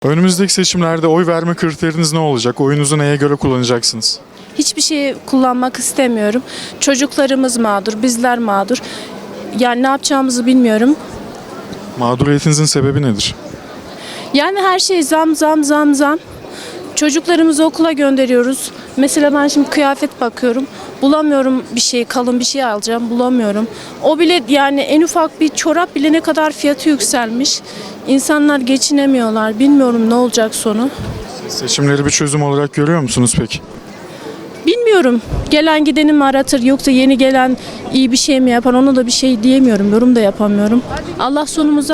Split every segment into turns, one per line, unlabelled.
Önümüzdeki seçimlerde oy verme kriteriniz ne olacak? Oyunuzu neye göre kullanacaksınız?
Hiçbir şeyi kullanmak istemiyorum. Çocuklarımız mağdur, bizler mağdur. Yani ne yapacağımızı bilmiyorum.
Mağduriyetinizin sebebi nedir?
Yani her şey zam zam zam zam. Çocuklarımızı okula gönderiyoruz. Mesela ben şimdi kıyafet bakıyorum. Bulamıyorum bir şey, kalın bir şey alacağım. Bulamıyorum. O bile yani en ufak bir çorap bile ne kadar fiyatı yükselmiş. İnsanlar geçinemiyorlar. Bilmiyorum ne olacak sonu.
Seçimleri bir çözüm olarak görüyor musunuz peki?
Bilmiyorum. Gelen gideni mi aratır yoksa yeni gelen iyi bir şey mi yapar, ona da bir şey diyemiyorum. Yorum da yapamıyorum. Allah sonumuza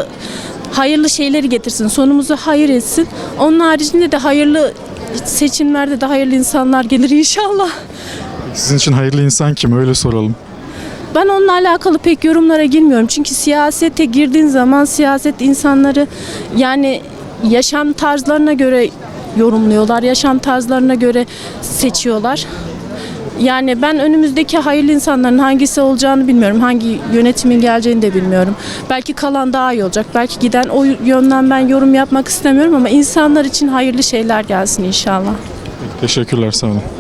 hayırlı şeyleri getirsin. Sonumuzu hayır etsin. Onun haricinde de hayırlı seçimlerde de hayırlı insanlar gelir inşallah.
Sizin için hayırlı insan kim? Öyle soralım.
Ben onunla alakalı pek yorumlara girmiyorum. Çünkü siyasete girdiğin zaman siyaset insanları yani yaşam tarzlarına göre yorumluyorlar. Yaşam tarzlarına göre seçiyorlar. Yani ben önümüzdeki hayırlı insanların hangisi olacağını bilmiyorum. Hangi yönetimin geleceğini de bilmiyorum. Belki kalan daha iyi olacak. Belki giden, o yönden ben yorum yapmak istemiyorum ama insanlar için hayırlı şeyler gelsin inşallah.
Teşekkürler, sağ olun.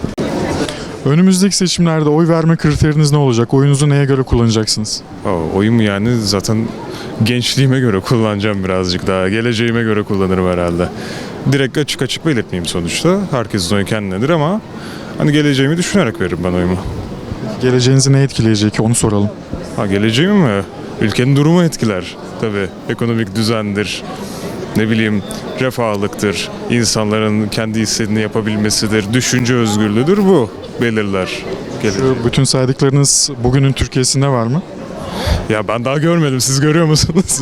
Önümüzdeki seçimlerde oy verme kriteriniz ne olacak? Oyunuzu neye göre kullanacaksınız?
Oyumu yani zaten gençliğime göre kullanacağım birazcık daha. Geleceğime göre kullanırım herhalde. Direkt açık açık belirtmeyeyim sonuçta. Herkesin oyu kendinedir ama hani geleceğimi düşünerek veririm ben oyumu.
Geleceğinizi ne etkileyecek onu soralım.
Geleceğimi mi? Ülkenin durumu etkiler. Tabii ekonomik düzendir. Ne bileyim refahlıktır. İnsanların kendi istediğini yapabilmesidir. Düşünce özgürlüğüdür, bu belirler.
Şu bütün saydıklarınız bugünün Türkiye'sinde var mı?
Ya ben daha görmedim. Siz görüyor musunuz?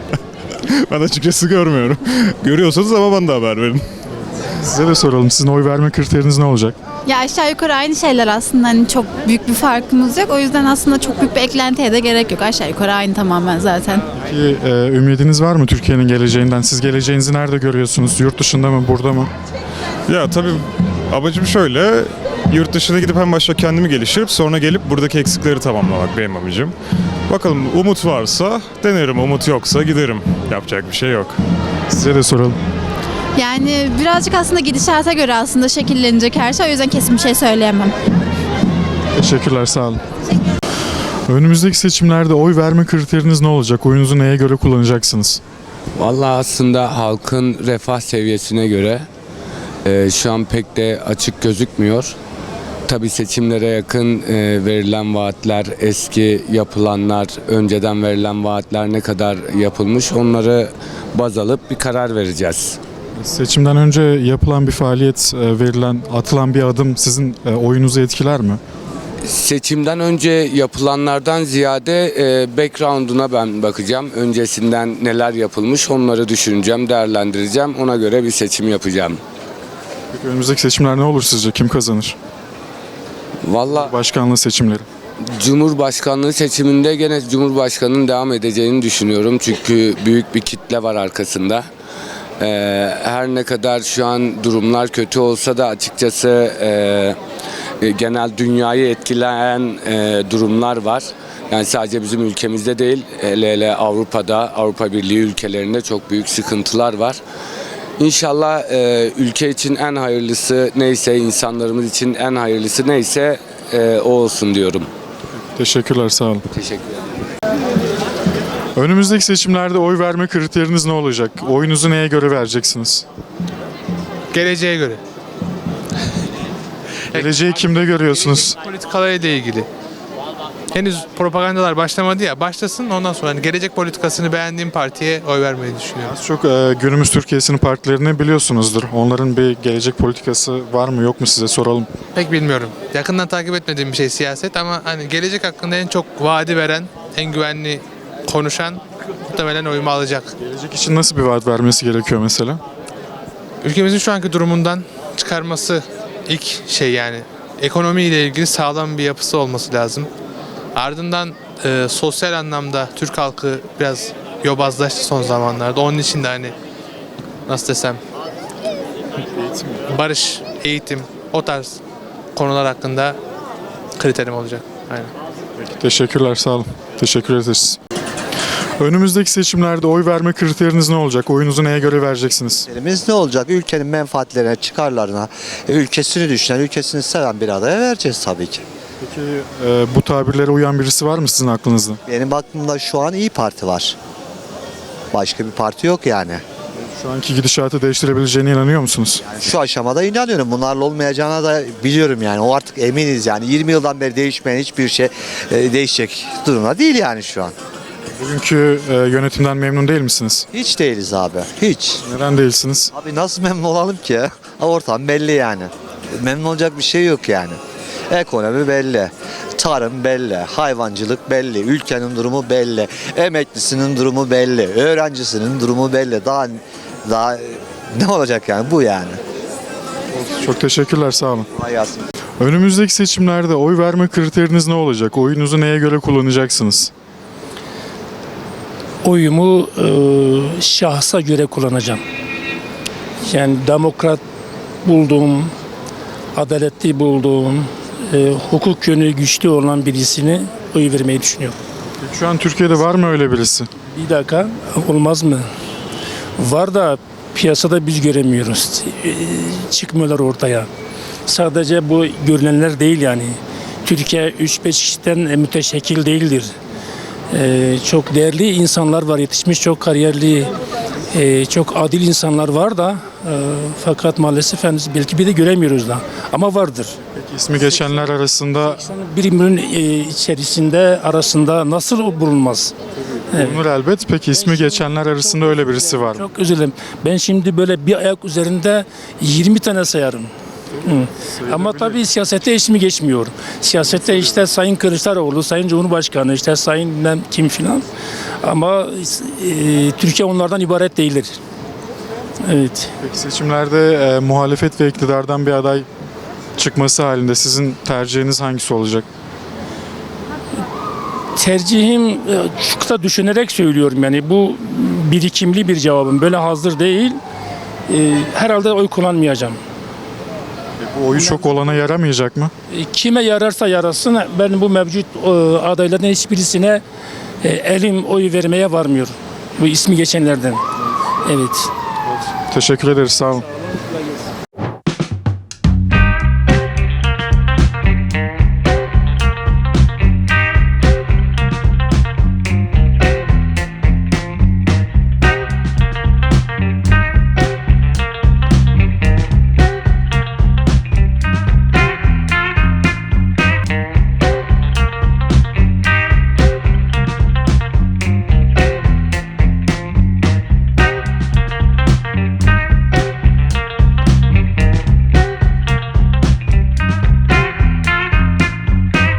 Ben açıkçası görmüyorum. Görüyorsanız ama bana da haber verin.
Size de soralım. Sizin oy verme kriteriniz ne olacak?
Ya aşağı yukarı aynı şeyler aslında, hani çok büyük bir farkımız yok. O yüzden aslında çok büyük bir eklentiye de gerek yok. Aşağı yukarı aynı tamamen zaten.
Peki ümidiniz var mı Türkiye'nin geleceğinden? Siz geleceğinizi nerede görüyorsunuz? Yurt dışında mı, burada mı?
Ya tabii amacım şöyle. Yurt dışına gidip en başta kendimi geliştirip sonra gelip buradaki eksikleri tamamlamak benim amacım. Bakalım, umut varsa denerim, umut yoksa giderim. Yapacak bir şey yok.
Size de soralım.
Yani birazcık aslında gidişata göre aslında şekillenecek her şey. O yüzden kesin bir şey söyleyemem.
Teşekkürler, sağ olun. Önümüzdeki seçimlerde oy verme kriteriniz ne olacak? Oyunuzu neye göre kullanacaksınız?
Vallahi aslında halkın refah seviyesine göre şu an pek de açık gözükmüyor. Tabii seçimlere yakın verilen vaatler, eski yapılanlar, önceden verilen vaatler ne kadar yapılmış, onları baz alıp bir karar vereceğiz.
Seçimden önce yapılan bir faaliyet, atılan bir adım sizin oyunuzu etkiler mi?
Seçimden önce yapılanlardan ziyade background'una ben bakacağım. Öncesinden neler yapılmış onları düşüneceğim, değerlendireceğim. Ona göre bir seçim yapacağım.
Peki önümüzdeki seçimler ne olur sizce? Kim kazanır?
Vallahi
Başkanlığı seçimleri.
Cumhurbaşkanlığı seçiminde gene Cumhurbaşkanı'nın devam edeceğini düşünüyorum. Çünkü büyük bir kitle var arkasında. Her ne kadar şu an durumlar kötü olsa da açıkçası genel dünyayı etkileyen durumlar var. Yani sadece bizim ülkemizde değil, hele Avrupa'da, Avrupa Birliği ülkelerinde çok büyük sıkıntılar var. İnşallah ülke için en hayırlısı neyse, insanlarımız için en hayırlısı neyse o olsun diyorum.
Teşekkürler, sağ olun.
Teşekkürler.
Önümüzdeki seçimlerde oy verme kriteriniz ne olacak? Oyunuzu neye göre vereceksiniz?
Geleceğe göre.
Geleceği kimde görüyorsunuz?
Politikalarıyla ilgili. Henüz propagandalar başlamadı ya, başlasın, ondan sonra hani gelecek politikasını beğendiğim partiye oy vermeyi düşünüyorum.
Az çok günümüz Türkiye'sinin partilerini biliyorsunuzdur. Onların bir gelecek politikası var mı yok mu, size soralım.
Pek bilmiyorum. Yakından takip etmediğim bir şey siyaset ama hani gelecek hakkında en çok vaadi veren, en güvenli konuşan muhtemelen oyumu alacak.
Gelecek için nasıl bir vaat vermesi gerekiyor mesela?
Ülkemizin şu anki durumundan çıkarması ilk şey, yani ekonomiyle ilgili sağlam bir yapısı olması lazım. Ardından sosyal anlamda Türk halkı biraz yobazlaştı son zamanlarda. Onun için de hani nasıl desem, barış, eğitim, o tarz konular hakkında kriterim olacak. Aynen.
Teşekkürler, sağ olun. Teşekkür ederiz. Önümüzdeki seçimlerde oy verme kriteriniz ne olacak? Oyunuzu neye göre vereceksiniz?
Elimiz ne olacak? Ülkenin menfaatlerine, çıkarlarına, ülkesini düşünen, ülkesini seven bir adaya vereceğiz tabii ki.
Peki bu tabirlere uyan birisi var mı sizin aklınızda?
Benim aklımda şu an İyi Parti var. Başka bir parti yok yani.
Şu anki gidişatı değiştirebileceğine inanıyor musunuz?
Şu aşamada inanıyorum. Bunlarla olmayacağına da biliyorum yani. O artık eminiz yani. 20 yıldan beri değişmeyen hiçbir şey değişecek durumda değil yani şu an.
Bugünkü yönetimden memnun değil misiniz?
Hiç değiliz abi. Hiç.
Neden değilsiniz?
Abi nasıl memnun olalım ki? Ortam belli yani. Memnun olacak bir şey yok yani. Ekonomi belli. Tarım belli. Hayvancılık belli. Ülkenin durumu belli. Emeklisinin durumu belli. Öğrencisinin durumu belli. Daha ne olacak yani bu yani.
Çok teşekkürler, sağ olun.
Hayatım.
Önümüzdeki seçimlerde oy verme kriteriniz ne olacak? Oyunuzu neye göre kullanacaksınız?
Oyumu şahsa göre kullanacağım. Yani demokrat bulduğum, adaletli bulduğum, hukuk yönü güçlü olan birisini oy vermeyi düşünüyorum.
Peki şu an Türkiye'de var mı öyle birisi?
Bir dakika, olmaz mı? Var da piyasada biz göremiyoruz. Çıkmıyorlar ortaya. Sadece bu görünenler değil yani. Türkiye 3-5 kişiden müteşekkil değildir. Çok değerli insanlar var, yetişmiş çok kariyerli, çok adil insanlar var da fakat maalesef henüz belki bir de göremiyoruz da ama vardır.
Peki ismi geçenler arasında
Bir milyon içerisinde arasında nasıl bulunmaz?
bulunur elbet. Peki ismi geçenler arasında öyle birisi var mı?
Çok özür dilerim. Ben şimdi böyle bir ayak üzerinde 20 tane sayarım. Ama tabii siyasette ismi geçmiyor. Siyasette işte Sayın Kılıçdaroğlu, Sayın Cumhurbaşkanı, işte Sayın bilmem kim filan. Ama Türkiye onlardan ibaret değildir. Evet.
Peki seçimlerde muhalefet ve iktidardan bir aday çıkması halinde sizin tercihiniz hangisi olacak?
Tercihim çok da düşünerek söylüyorum yani bu birikimli bir cevabım. Böyle hazır değil. Herhalde oy kullanmayacağım.
Bu oyu çok olana yaramayacak mı?
Kime yararsa yarasın ben bu mevcut adaylardan hiçbirisine elim oy vermeye varmıyor. Bu ismi geçenlerden. Evet.
Teşekkür ederiz, sağ olun.